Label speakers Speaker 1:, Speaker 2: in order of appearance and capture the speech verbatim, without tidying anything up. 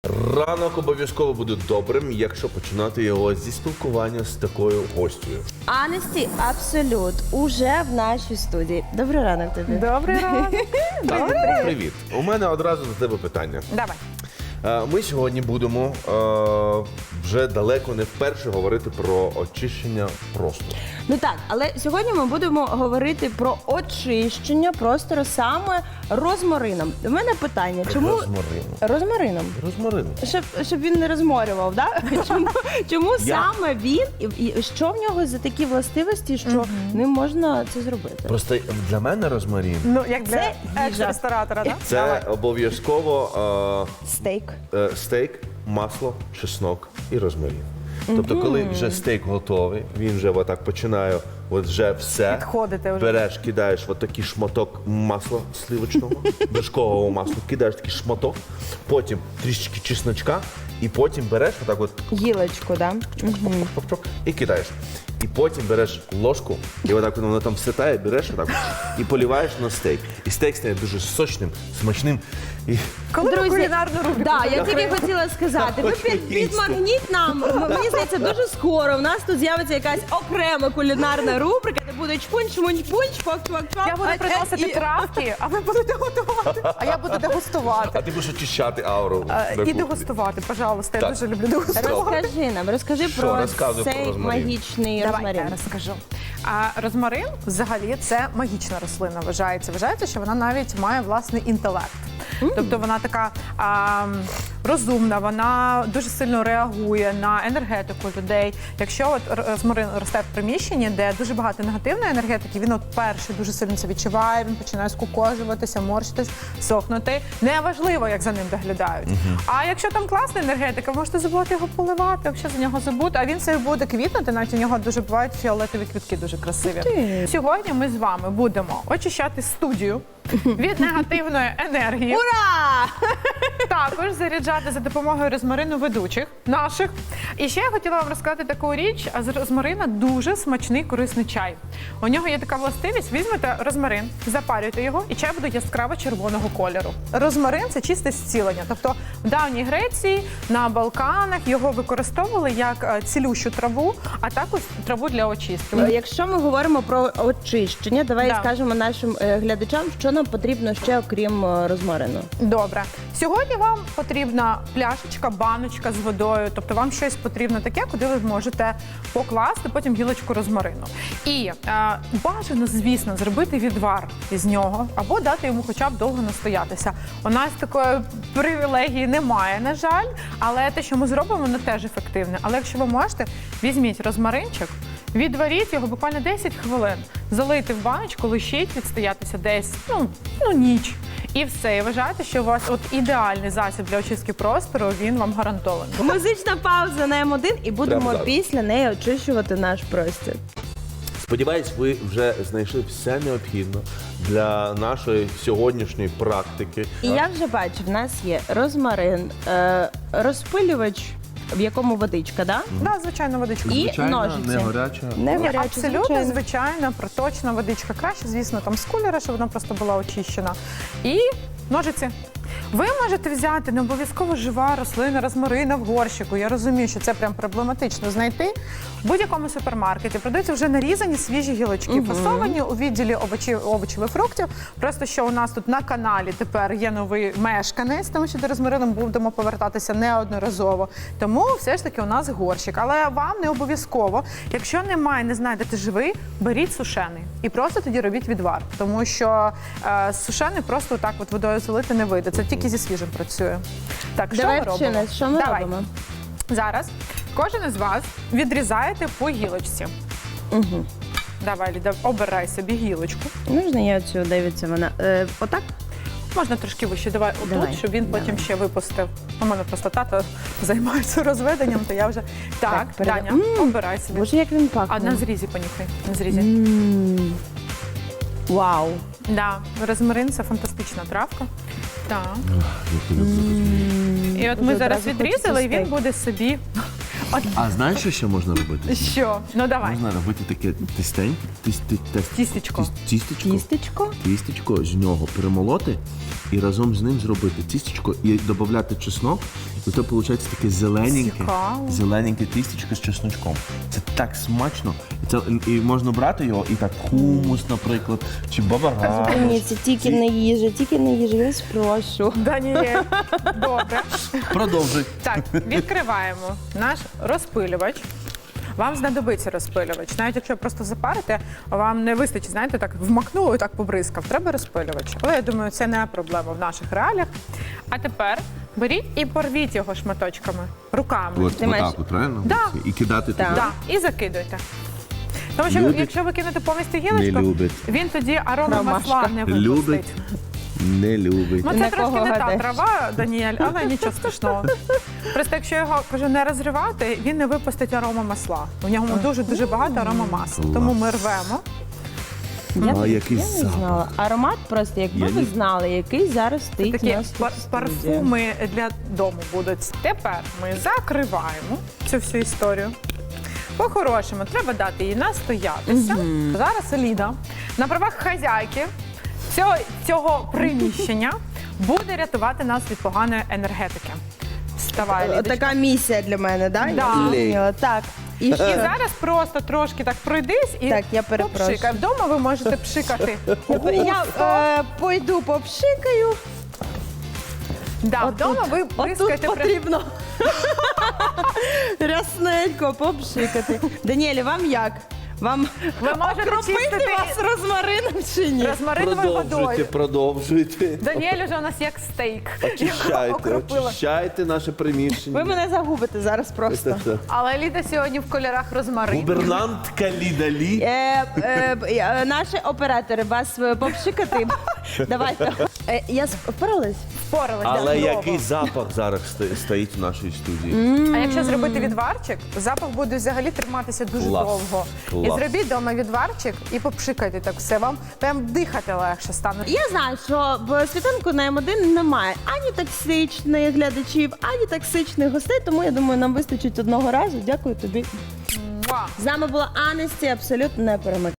Speaker 1: Ранок обов'язково буде добрим, якщо починати його зі спілкування з такою гостю.
Speaker 2: Анесті Абсолют уже в нашій студії. Добрий ранок тобі.
Speaker 3: Добрий ранок.
Speaker 1: Так, привіт. У мене одразу до тебе питання.
Speaker 3: Давай.
Speaker 1: Е, Ми сьогодні будемо е, вже далеко не вперше говорити про очищення простору.
Speaker 2: Ну так, але сьогодні ми будемо говорити про очищення простору саме розмарином. У мене питання, чому
Speaker 1: Розмарином.
Speaker 2: розмарином?
Speaker 1: Розмарин.
Speaker 2: Щоб, щоб він не розморював, да? Чому, чому
Speaker 1: Я-
Speaker 2: саме він і, і що в нього за такі властивості, що ним можна це зробити?
Speaker 1: Просто для мене розмарин
Speaker 3: Ну, як для
Speaker 2: Це їжа.
Speaker 3: екс-ресторатора, так?
Speaker 1: це обов'язково
Speaker 2: Стейк.
Speaker 1: е, е, стейк, масло, чеснок і розмарин. Тобто, коли вже стейк готовий, він вже отак починає, от вже все.
Speaker 3: Підходити вже.
Speaker 1: Береш, кидаєш от такий шматок масла сливочного, вершкового масла, кидаєш такий шматок, потім трішечки чесночка, і потім береш отак от
Speaker 2: Гілочку, да?
Speaker 1: чпок-чпок-чпок і кидаєш. І потім береш ложку, і отак воно там вситає, береш отак от, і поліваєш на стейк. І стейк стає дуже сочним, смачним. І
Speaker 3: Коли ми кулінарну рубрику
Speaker 2: да, я
Speaker 3: закриємо?
Speaker 2: тільки хотіла сказати, ви
Speaker 1: Хочу
Speaker 2: під,
Speaker 1: їсти.
Speaker 2: підмагніть нам. М- Мені здається, дуже скоро в нас тут з'явиться якась окрема кулінарна рубрика, де буде чпунь, шмунь, пунь, чпок, чпок, чпок.
Speaker 3: Я буду
Speaker 2: А-
Speaker 3: приносити
Speaker 2: і-
Speaker 3: травки, а ви будете готувати. А я буду дегустувати.
Speaker 1: А ти будеш очищати ауру.
Speaker 3: Е,
Speaker 1: на
Speaker 3: І
Speaker 1: кухні.
Speaker 3: дегустувати, пожалуйста. Я
Speaker 1: Так.
Speaker 3: дуже люблю дегустувати.
Speaker 2: Розкажи нам, розкажи
Speaker 1: Що?
Speaker 2: про
Speaker 1: Розказуй про
Speaker 2: цей
Speaker 1: розмарин.
Speaker 2: магічний
Speaker 3: Давай,
Speaker 2: розмарин.
Speaker 3: я розкажу. А розмарин взагалі це магічна рослина. Вважається. Вважається, що вона навіть має власний інтелект. Тобто вона така а, розумна, вона дуже сильно реагує на енергетику людей. Якщо от розмарин росте в приміщенні, де дуже багато негативної енергетики, він от перший дуже сильно це відчуває, він починає скукожуватися, морщитись, сохнути. Неважливо, як за ним доглядають. А якщо там класна енергетика, ви можете забувати його поливати, взагалі за нього забути, а він все буде квітнути, навіть у нього дуже бувають фіолетові квітки дуже красиві.
Speaker 2: ти.
Speaker 3: Сьогодні ми з вами будемо очищати студію від негативної енергії.
Speaker 2: Ура!
Speaker 3: Також заряджати за допомогою розмарину ведучих наших. І ще я хотіла вам розказати таку річ. А з розмарина дуже смачний корисний чай. У нього є така властивість. Візьмете розмарин, запарюйте його, і чай буде яскраво червоного кольору. Розмарин це чисте зцілення. Тобто в давній Греції, на Балканах його використовували як е, цілющу траву, а також траву для очистки.
Speaker 2: Якщо ми говоримо про очищення, давай
Speaker 3: Да.
Speaker 2: скажемо нашим е, глядачам, що нам потрібно ще окрім е, розмарину.
Speaker 3: Добре. Сьогодні вам потрібна пляшечка, баночка з водою. Тобто вам щось потрібно таке, куди ви можете покласти потім гілочку розмарину. І е, бажано, звісно, зробити відвар із нього або дати йому хоча б довго настоятися. У нас такої привілегії немає, на жаль, але те, що ми зробимо, воно теж ефективне. Але якщо ви можете, візьміть розмаринчик, відваріть його буквально десять хвилин, залийте в баночку, лишіть відстоятися десь, ну, ну ніч. І все. І вважайте, що у вас от ідеальний засіб для очистки простору, він вам гарантований.
Speaker 2: Музична пауза на М один і будемо
Speaker 1: Прямо зараз.
Speaker 2: після неї очищувати наш простір.
Speaker 1: Сподіваюсь, ви вже знайшли все необхідне для нашої сьогоднішньої практики.
Speaker 2: І я вже бачу, в нас є розмарин, е, розпилювач, в якому водичка, да?
Speaker 3: Да, звичайно, водичка.
Speaker 2: І
Speaker 1: Звичайно,
Speaker 2: ножиці.
Speaker 1: не гаряча.
Speaker 2: Не
Speaker 3: Ні,
Speaker 2: гаряча,
Speaker 3: абсолютно,
Speaker 2: звичайно.
Speaker 3: звичайно, проточна водичка. Краще, звісно, там з кулера, щоб вона просто була очищена. І ножиці. Ви можете взяти не обов'язково жива рослина розмарина в горщику. Я розумію, що це прям проблематично знайти. В будь-якому супермаркеті продаються вже нарізані свіжі гілочки, фасовані у відділі овочів, овочів і фруктів. Просто що у нас тут на каналі тепер є новий мешканець, тому що до розмарину будемо повертатися неодноразово. Тому все ж таки у нас горщик. Але вам не обов'язково. Якщо немає, не знайдете живий, беріть сушений. І просто тоді робіть відвар. Тому що е, сушений просто так от водою залити не вийде. Це тільки зі свіжим працює. Так, що
Speaker 2: Давай
Speaker 3: ми
Speaker 2: вчи
Speaker 3: робимо?
Speaker 2: нас, що ми
Speaker 3: Давай.
Speaker 2: робимо?
Speaker 3: Зараз кожен із вас відрізаєте по гілочці.
Speaker 2: Угу.
Speaker 3: Давай, Ліда, обирай собі гілочку.
Speaker 2: Можна я цю дивіться вона? Е, отак?
Speaker 3: Можна трошки вище, давай отут,
Speaker 2: Давай,
Speaker 3: щоб він
Speaker 2: давай.
Speaker 3: потім ще випустив. У мене просто тато займається розведенням, то я вже... Так,
Speaker 2: Так, переда-
Speaker 3: Даня,
Speaker 2: М,
Speaker 3: обирай собі.
Speaker 2: Боже, як він
Speaker 3: А
Speaker 2: пахне.
Speaker 3: на зрізі понюхай, на зрізі.
Speaker 2: М. Вау.
Speaker 3: Да, розмарин – це фантастична травка. Так. І от ми
Speaker 2: Вже
Speaker 3: зараз
Speaker 2: одразу
Speaker 3: відрізали, і
Speaker 2: хочеться
Speaker 3: він
Speaker 2: стейк.
Speaker 3: буде собі
Speaker 1: А знаєш, що ще можна робити?
Speaker 3: Що? Ну давай.
Speaker 1: Можна робити таке тістень, тіс- ті- тес-
Speaker 3: Тістечко.
Speaker 1: тіс- тістечко,
Speaker 2: Тістечко.
Speaker 1: тістечко, з нього перемолоти і разом з ним зробити тістечко і додати чеснок, і то виходить таке зелененьке,
Speaker 3: Цікаво.
Speaker 1: зелененьке тістечко з чесночком. Це так смачно. І, це, і можна брати його і так хумус, наприклад, чи бабага.
Speaker 2: Ні, це тільки не їжа, тільки не їжа, я вас прошу.
Speaker 3: Даніель, добре.
Speaker 1: Продовжуй.
Speaker 3: Так, відкриваємо наш розпилювач. Вам знадобиться розпилювач. Навіть якщо просто запарите, вам не вистачить, знаєте, так вмакнуло і так побризкав. Треба розпилювач. Але я думаю, це не проблема в наших реаліях. А тепер беріть і порвіть його шматочками, руками.
Speaker 1: От,
Speaker 2: Ти маєш-
Speaker 1: отак, от, правильно?
Speaker 3: Да.
Speaker 1: І кидати туди.
Speaker 3: Да, і закидуйте. Тому що
Speaker 1: Любить.
Speaker 3: якщо ви кинете повністю
Speaker 1: Не
Speaker 3: гілочку,
Speaker 1: любить.
Speaker 3: він тоді арома
Speaker 2: Ромашка.
Speaker 3: масла не випустить.
Speaker 1: Любить, не любить.
Speaker 3: Ну, це
Speaker 2: На
Speaker 3: трошки
Speaker 2: кого
Speaker 3: не та
Speaker 2: гадаєш?
Speaker 3: трава, Даніель, але нічого страшного. Просто якщо його кажу не розривати, він не випустить арома масла. У нього дуже-дуже багато арома масла.
Speaker 1: Клас.
Speaker 3: Тому ми рвемо.
Speaker 2: Я,
Speaker 1: А
Speaker 2: б-
Speaker 1: який
Speaker 2: я не
Speaker 1: запах.
Speaker 2: знала. Аромат просто, якби
Speaker 1: Я
Speaker 2: ви
Speaker 1: не-
Speaker 2: знали, який зараз стоїть у
Speaker 3: Такі
Speaker 2: нас тут
Speaker 3: пар-
Speaker 2: в студії.
Speaker 3: парфуми для дому будуть. Тепер ми закриваємо цю всю історію. По-хорошому, треба дати їй настоятися. Зараз Ліда на правах хазяйки цього, цього приміщення буде рятувати нас від поганої енергетики. Вставай,
Speaker 2: Е,
Speaker 3: Лідочка.
Speaker 2: Така місія для мене, да?
Speaker 3: Да.
Speaker 2: Я зрозуміла. Так. І
Speaker 3: І
Speaker 2: що?
Speaker 3: зараз просто трошки так пройдись і
Speaker 2: Так, я перепрошую.
Speaker 3: попшикай. Вдома ви можете пшикати.
Speaker 2: Я е, пойду попшикаю.
Speaker 3: Да,
Speaker 2: Отут-
Speaker 3: вдома ви
Speaker 2: Отут
Speaker 3: бризкаєте прям-
Speaker 2: потрібно рясненько попшикати. Даніелі, вам як? Вам
Speaker 3: Ви можете
Speaker 2: окропити
Speaker 3: чистити
Speaker 2: вас розмарином чи ні?
Speaker 3: розмариновою
Speaker 1: Продовжуйте,
Speaker 3: водою.
Speaker 1: продовжуйте.
Speaker 3: Даніель уже у нас як стейк.
Speaker 1: Очищайте,
Speaker 3: Окропила.
Speaker 1: очищайте наше приміщення.
Speaker 2: Ви мене загубите зараз просто.
Speaker 1: Це-це.
Speaker 3: Але Ліда сьогодні в кольорах розмарину.
Speaker 1: Губернантка Ліда Лі.
Speaker 2: Е, е, б- е, наші оператори, вас е, попшикати. Давайте. Е, я сп- впоралась?
Speaker 3: Впоралась.
Speaker 1: Але
Speaker 3: чудово.
Speaker 1: який запах зараз сто- стоїть в нашій студії?
Speaker 3: А якщо зробити відварчик, запах буде взагалі триматися дуже
Speaker 1: Клас.
Speaker 3: довго.
Speaker 1: Клас.
Speaker 3: І зробіть вдома відварчик і попшикайте так все. Вам прям дихати легше стане.
Speaker 2: Я знаю, що в світанку на М один немає ані токсичних глядачів, ані токсичних гостей, тому я думаю, нам вистачить одного разу. Дякую тобі.
Speaker 3: Муа.
Speaker 2: З нами була Анесті, абсолютно не перемикай.